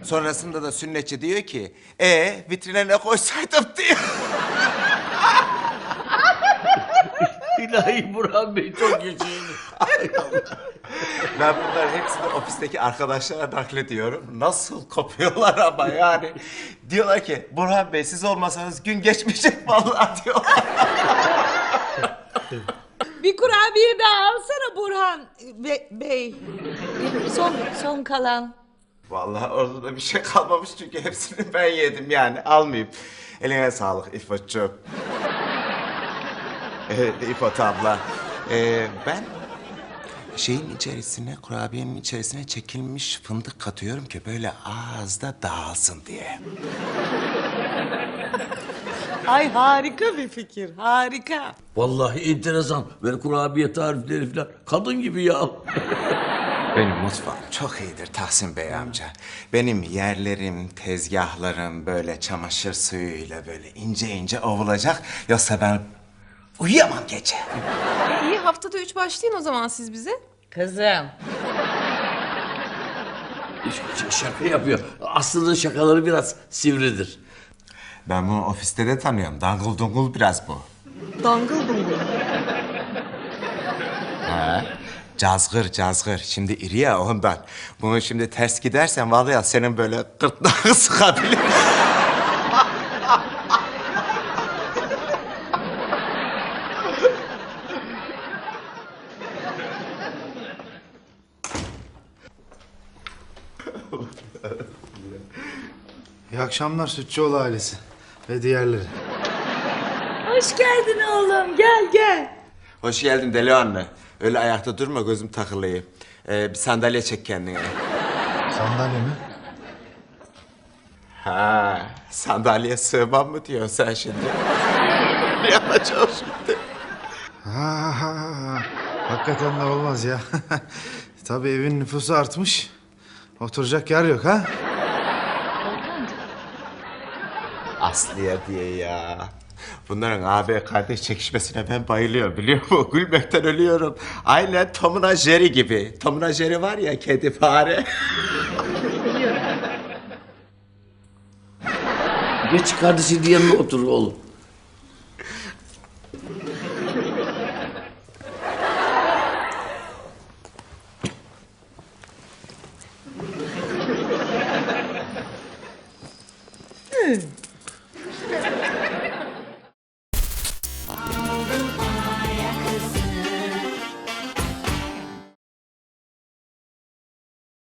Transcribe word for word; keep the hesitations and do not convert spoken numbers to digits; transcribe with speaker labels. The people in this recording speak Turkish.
Speaker 1: Sonrasında da sünnetçi diyor ki, e vitrine ne koysaydım diyor.
Speaker 2: İlahi Burhan Bey çok yaşayın.
Speaker 1: Ben bunların hepsini ofisteki arkadaşlara naklediyorum. Nasıl kopuyorlar ama yani. Diyorlar ki, Burhan Bey siz olmasanız gün geçmeyecek vallahi diyorlar.
Speaker 3: Bir kurabiye daha alsana Burhan Be- Bey. Son, son kalan.
Speaker 1: Vallahi orada da bir şey kalmamış çünkü hepsini ben yedim yani. Almayayım. Eline sağlık İfo'cuğum. Evet İfot abla. Ee, ben şeyin içerisine, kurabiyenin içerisine çekilmiş fındık katıyorum ki böyle ağızda dağılsın diye.
Speaker 3: Ay harika bir fikir, harika.
Speaker 2: Vallahi enteresan. Böyle kurabiye tarifleri falan. Kadın gibi ya.
Speaker 1: Benim mutfağım çok iyidir Tahsin Bey amca. Benim yerlerim, tezgahlarım böyle çamaşır suyuyla böyle ince ince ovulacak. Yoksa ben uyuyamam gece.
Speaker 4: İyi haftada üç başlayın o zaman siz bize.
Speaker 3: Kızım.
Speaker 2: Ş- şaka yapıyor. Aslında şakaları biraz sivridir.
Speaker 1: Ben bunu ofiste de tanıyorum. Dangıl dungul biraz bu.
Speaker 4: Dangıl dungul.
Speaker 1: Ha. Cazgır cazgır. Şimdi iri ya ondan. Bunu şimdi ters gidersen vallahi senin böyle gırtlağını sıkabilir.
Speaker 5: İyi akşamlar Sütçüoğlu ailesi ve diğerleri.
Speaker 3: Hoş geldin oğlum, gel gel.
Speaker 1: Hoş geldin deli anne. Öyle ayakta durma gözüm takılıyor. Ee, bir sandalye çek kendine.
Speaker 5: Sandalye mi?
Speaker 1: Ha, sandalyeye sığmam mı diyorsun sen şimdi? Ne yapacağım şimdi?
Speaker 5: Ha, ha, ha. Hakikaten de olmaz ya. Tabii evin nüfusu artmış. Oturacak yer yok ha?
Speaker 1: Aslıya diye ya. Bunların abi kardeş çekişmesine ben bayılıyorum biliyor musun? Gülmekten ölüyorum. Aynen Tom'una Jerry gibi. Tom'una Jerry var ya kedi fare.
Speaker 2: Geç kardeşinin yanına otur oğlum.